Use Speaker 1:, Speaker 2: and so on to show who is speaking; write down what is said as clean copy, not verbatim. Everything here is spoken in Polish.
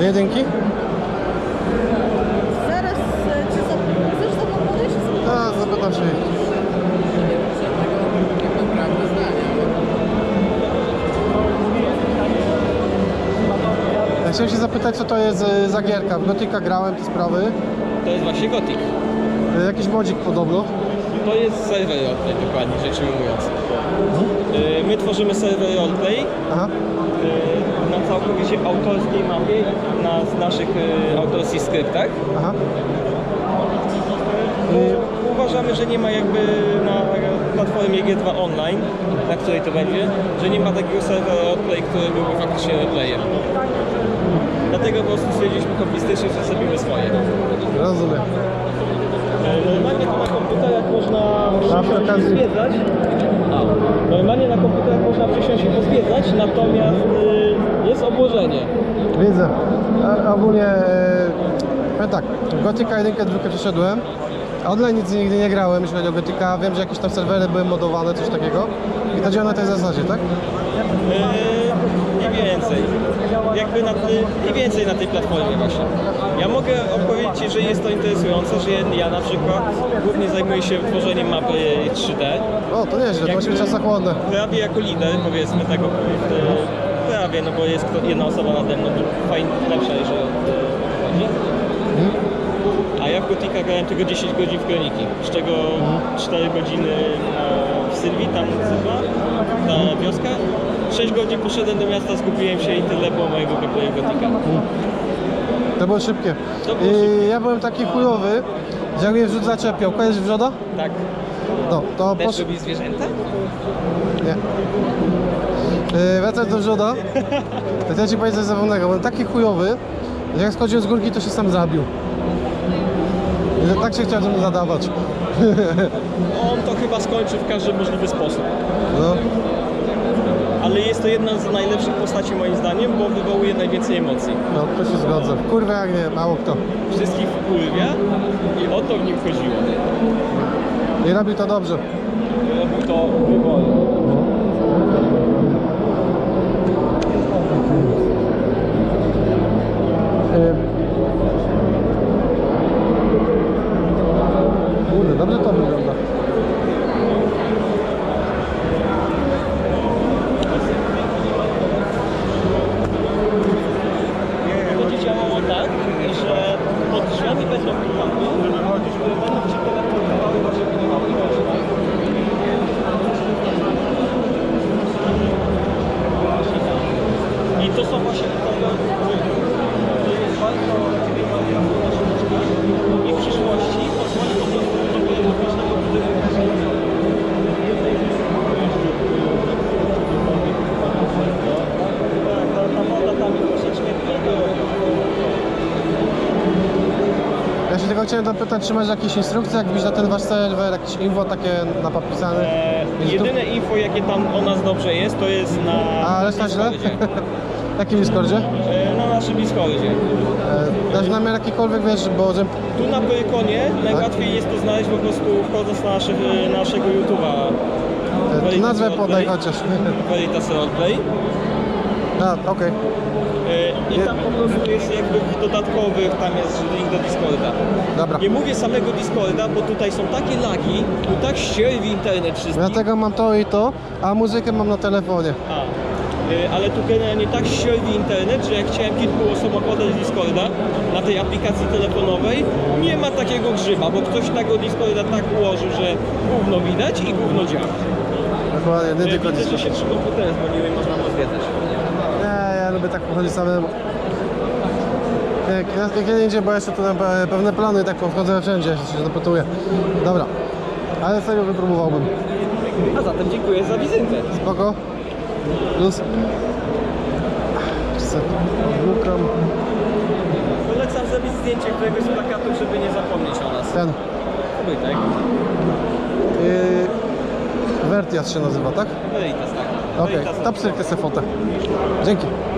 Speaker 1: jedynki?
Speaker 2: Zaraz cię zapytam. Chcesz ze mną podejść?
Speaker 1: Tak, zapytam się jej. Ja chciałem się zapytać, co to jest za gierka. W Gothica grałem te sprawy.
Speaker 3: To jest właśnie Gothic.
Speaker 1: Jakiś modzik podobno.
Speaker 3: To jest serwer roleplay, dokładnie rzecz ujmując. My tworzymy serwer roleplay
Speaker 1: Aha.
Speaker 3: na całkowicie autorskiej mapie, na naszych autorskich skryptach.
Speaker 1: Aha.
Speaker 3: Uważamy, że nie ma jakby na platformie G2 Online, na której to będzie, że nie ma takiego serwera roleplay, który byłby faktycznie roleplayem. Dlatego po prostu stwierdziliśmy hobbystycznie, że zrobimy swoje.
Speaker 1: Rozumiem.
Speaker 3: Normalnie to na komputerach można
Speaker 1: A przy okazji-
Speaker 3: zwiedzać. Normalnie na komputerach można przysiąść i pozwiedzać, natomiast jest obłożenie.
Speaker 1: Widzę. A ogólnie, powiem tak, Gothica 1, 2 przeszedłem. Online nic nigdy nie grałem, jeśli chodzi o Gothica. Wiem, że jakieś tam serwery były modowane, coś takiego. I to działa na tej zasadzie, tak?
Speaker 3: Nie więcej. Jakby nie więcej na tej platformie właśnie. Ja mogę opowiedzieć Ci, że jest to interesujące, że ja na przykład głównie zajmuję się tworzeniem mapy 3D.
Speaker 1: O, to nieźle, to musi być czasochłonne.
Speaker 3: Prawie jako lider, powiedzmy tego, prawie, no bo jest jedna osoba nade mną, fajnie, lepsza, jeżeli chodzi. A ja w Gothica grałem tylko 10 godzin w Kroniki, z czego 4 godziny w Sylwii, tam nazywa, ta wioska. 6 godzin poszedłem do miasta, skupiłem się i tyle było mojego gameplayu Gothica.
Speaker 1: To było szybkie.
Speaker 3: To było
Speaker 1: I ja byłem taki chujowy, że jak mnie wrzód zaczepiał. Kojarzysz wrzoda?
Speaker 3: Tak.
Speaker 1: No, to
Speaker 3: Też
Speaker 1: poszedł.
Speaker 3: lubisz zwierzęta?
Speaker 1: Nie. Wracając do wrzoda, to chcę Ci powiedzieć coś zabawnego. Byłem taki chujowy, że jak schodziłem z górki, to się sam zabił. I tak się chciałem ze mną zadawać.
Speaker 3: On to chyba skończy w każdy możliwy sposób.
Speaker 1: No.
Speaker 3: Ale jest to jedna z najlepszych postaci moim zdaniem, bo wywołuje najwięcej emocji.
Speaker 1: No, to się zgodzę. Kurwa jak nie, mało kto.
Speaker 3: Wszystkich wpływia i o to w nim chodziło.
Speaker 1: I robi to dobrze.
Speaker 3: Robił to wybornie.
Speaker 1: Kurde, dobrze to wygląda.
Speaker 3: Będzie działało tak, że pod drzwiami będą pułapy, które będą Cię teleportowały, bo żeby nie mały I to są właśnie to jest bardzo i w przyszłości pozwoli po prostu do teleportażnego ta woda tam jest troszeczkę
Speaker 1: Ja się tylko chciałem dopytać, czy masz jakieś instrukcje, jak wbić na ten wasz serwer, jakieś info takie napisane?
Speaker 3: Jedyne info, jakie tam o nas dobrze jest, to jest na
Speaker 1: A reszta źle?
Speaker 3: Discordzie.
Speaker 1: W jakim Discordzie?
Speaker 3: Na naszym Discordzie.
Speaker 1: Dasz namiar jakikolwiek, wiesz, bo że...
Speaker 3: Tu na Pyrkonie najłatwiej jest to znaleźć po prostu wchodząc na naszego YouTube'a.
Speaker 1: nazwę podaj chociaż.
Speaker 3: Veritas Roleplay.
Speaker 1: A, okej.
Speaker 3: I tam po prostu jest jakby w dodatkowych, tam jest link do Discorda.
Speaker 1: Dobra.
Speaker 3: Nie mówię samego Discorda, bo tutaj są takie lagi, tu tak ścierwi internet wszystkich.
Speaker 1: Dlatego mam to i to, a muzykę mam na telefonie.
Speaker 3: Ale tu generalnie tak ścierwi internet, że jak chciałem kilku osobom podać Discorda na tej aplikacji telefonowej, nie ma takiego grzyba, bo ktoś tego Discorda tak ułożył, że gówno widać i gówno działa.
Speaker 1: Dokładnie, nie tylko
Speaker 3: Widzę,
Speaker 1: Discord.
Speaker 3: że się 3 komputery dzwoniły i można pozwiedzać.
Speaker 1: Nie, ja lubię tak pochodzić samemu. Kiedy indziej, bo jeszcze tu mam pewne plany, tak wchodzę wszędzie, się zapytuję. Dobra, ale serio wypróbowałbym.
Speaker 3: A zatem dziękuję za wizytę.
Speaker 1: Spoko. Plus. Odłukam.
Speaker 3: Polecam zrobić zdjęcie któregoś z plakatów, żeby nie zapomnieć o nas.
Speaker 1: Ten.
Speaker 3: Wojtek.
Speaker 1: Vertias się nazywa, tak?
Speaker 3: Veritas, tak.
Speaker 1: Okej,
Speaker 3: Veritas.
Speaker 1: to psyrkę se fotę. Dzięki.